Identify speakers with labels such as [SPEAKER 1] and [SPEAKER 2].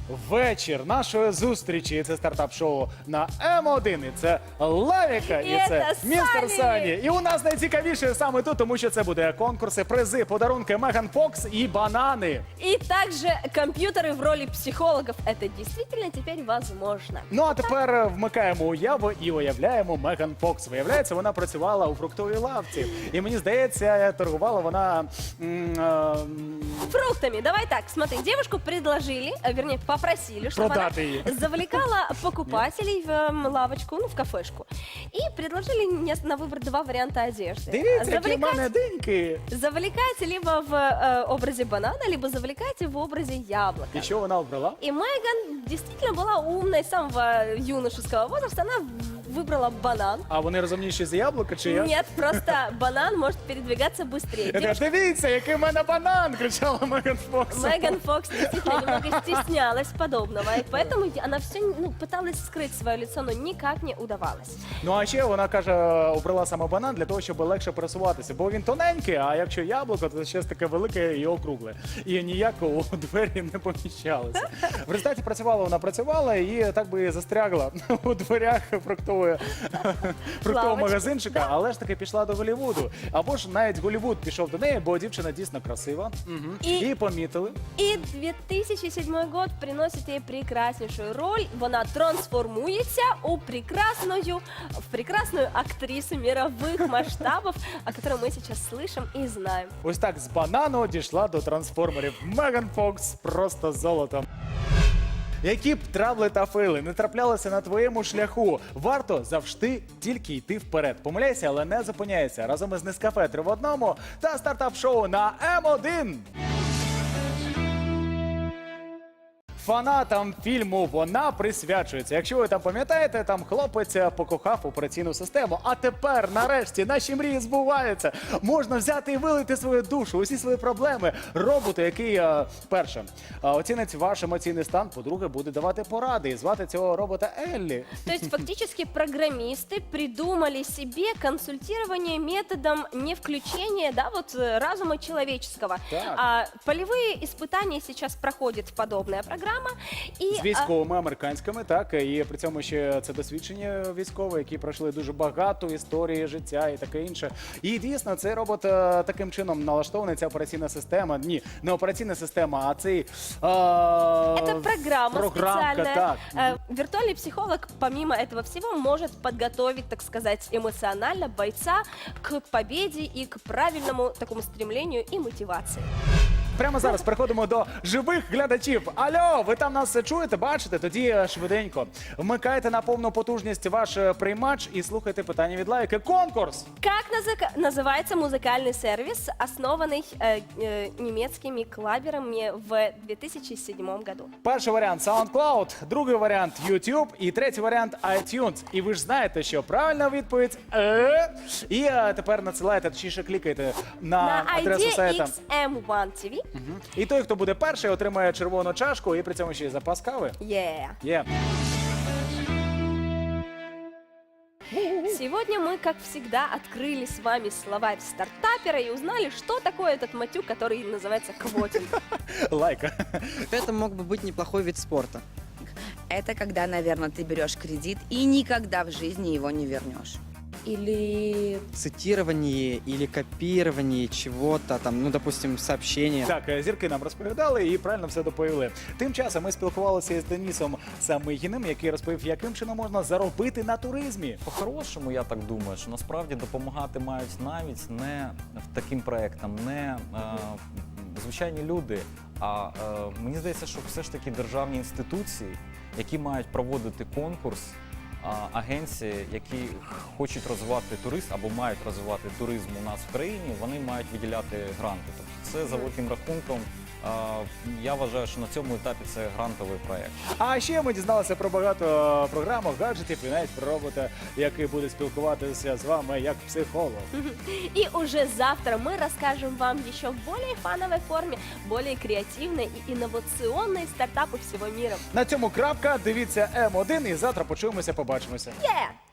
[SPEAKER 1] вечір нашої зустрічі. Це стартап-шоу на М1. І це Лавіка, і це містер Сані. І у нас найцікавіше саме тут, тому що це буде конкурси, призи, подарунки Меган Фокс і банани.
[SPEAKER 2] И также компьютеры в роли психологов. Это действительно теперь возможно.
[SPEAKER 1] Ну а тепер вмикаємо уяву і уявляємо Меган Фокс. Виявляється, вона працювала у фруктовій лавці. І мені здається, торгувала вона...
[SPEAKER 2] Фруктами. Давай так, смотри, девушку предложили, вернее, попросили, чтобы она
[SPEAKER 1] Продать ее.
[SPEAKER 2] завлекала покупателей в лавочку, ну, в кафешку. И предложили на выбор два варианта одежды.
[SPEAKER 1] Дивіться, які в мене деньки.
[SPEAKER 2] Завлекать либо в образе банана, либо завлекать в образе яблока.
[SPEAKER 1] І що вона обрала?
[SPEAKER 2] И Меган действительно была умной с самого юношеского возраста. Она выбрала банан.
[SPEAKER 1] А вони розумніші за яблука чи я?
[SPEAKER 2] Нет, просто банан может передвигаться быстрее.
[SPEAKER 1] Я кажу, дивіться, який в мене банан, кричала Меган Фокс.
[SPEAKER 2] Меган Фокс действительно немного стеснялась подобного, и поэтому она все пыталась скрыть свое лицо, но никак не удавалось.
[SPEAKER 1] Ну а ще вона каже, обрала саме банан для того, щоб легше пересуватися, бо він тоненький, а якщо яблуко, то щось таке велике і округле. І ніяко у двері не поміщалося. В результаті працювала і так би і застрягла у дверях фруктового магазинчика, але ж таки пішла до Голлівуду. Або ж навіть Голлівуд пішов до неї, бо дівчина дійсно красива. І помітили.
[SPEAKER 2] И 2007 год приносит ей прекраснейшую роль. Вона трансформуется в прекрасную актрису мировых масштабов, о которой мы сейчас слышим и знаем.
[SPEAKER 1] Ось так з банану дійшла до трансформерів. Меган Фокс просто золото. Які б трабли та фейли не траплялися на твоєму шляху, варто завжди тільки йти вперед. Помиляйся, але не зупиняйся. Разом із Нескафе 3 в одному та стартап-шоу на М1. Фанатам фільму вона присвячується. Якщо ви там пам'ятаєте, там хлопець покохав операційну систему. А тепер, нарешті, наші мрії збуваються. Можна взяти і вилити свою душу, усі свої проблеми. Роботу, який, перше, оцінить ваш емоційний стан, по-друге, буде давати поради. І звати цього робота Еллі.
[SPEAKER 2] То есть фактически программисты придумали себе консультирование методом не включения, да, вот разума человеческого.
[SPEAKER 1] Так.
[SPEAKER 2] Полевые испытания сейчас проходит подобная программа. І,
[SPEAKER 1] з військовими американськими, так, і при цьому ще це досвідчені військові, які пройшли дуже багато історії життя і таке інше. І дійсно, цей робот таким чином налаштований, ця операційна система. Ні, не операційна система, а цей...
[SPEAKER 2] Это программа специальная.
[SPEAKER 1] Так.
[SPEAKER 2] Виртуальный психолог, помимо этого всего, может подготовить, так сказать, эмоционально бойца к победе и к правильному такому стремлению и мотивации.
[SPEAKER 1] Прямо зараз переходимо до живих глядачів. Алло, ви там нас чуєте, бачите? Тоді швиденько. Вмикайте на повну потужність ваш приймач і слухайте питання від Лайки. Конкурс!
[SPEAKER 2] Как называется музыкальный сервис, основанный немецкими клаберами в 2007 году?
[SPEAKER 1] Перший варіант SoundCloud, другий варіант YouTube і третій варіант iTunes. І ви ж знаєте, що правильна відповідь І тепер надсилаєте, точніше клікайте на адресу сайта.
[SPEAKER 2] XM1 TV.
[SPEAKER 1] І той, хто буде перший, отримає червону чашку і при цьому ще й запас кави.
[SPEAKER 2] Yeah. Сегодня мы, как всегда, открыли с вами словарь стартапера и узнали, что такое этот матюк, который называется квотинг.
[SPEAKER 1] Лайка.
[SPEAKER 3] Это мог бы быть неплохой вид спорта.
[SPEAKER 4] Это когда, наверное, ты берешь кредит и никогда в жизни его не вернешь. Или
[SPEAKER 3] Цитирование или копирование чего-то, там, ну, допустим, сообщения.
[SPEAKER 1] Так, зірки нам розповідали і правильно все доповіли. Тим часом ми спілкувалися з Денисом Самигіним, який розповів, яким чином можна заробити на туризмі.
[SPEAKER 5] По-хорошому, я так думаю, що насправді допомагати мають навіть не таким проектам, не звичайні люди, а мені здається, що все ж таки державні інституції, які мають проводити конкурс, агенції, які хочуть розвивати туризм або мають розвивати туризм у нас в країні, вони мають виділяти гранти. Тобто це за великим рахунком. Я вважаю, що на цьому етапі це грантовий проєкт.
[SPEAKER 1] А ще ми дізналися про багато програмок, гаджетів і навіть про робота, який буде спілкуватися з вами як психолог.
[SPEAKER 2] И уже завтра мы расскажем вам еще в более фановой форме, более креативной и инновационной стартапы всего мира.
[SPEAKER 1] На цьому крапка. Дивіться М1 і завтра почуємося, побачимося.
[SPEAKER 2] Yeah!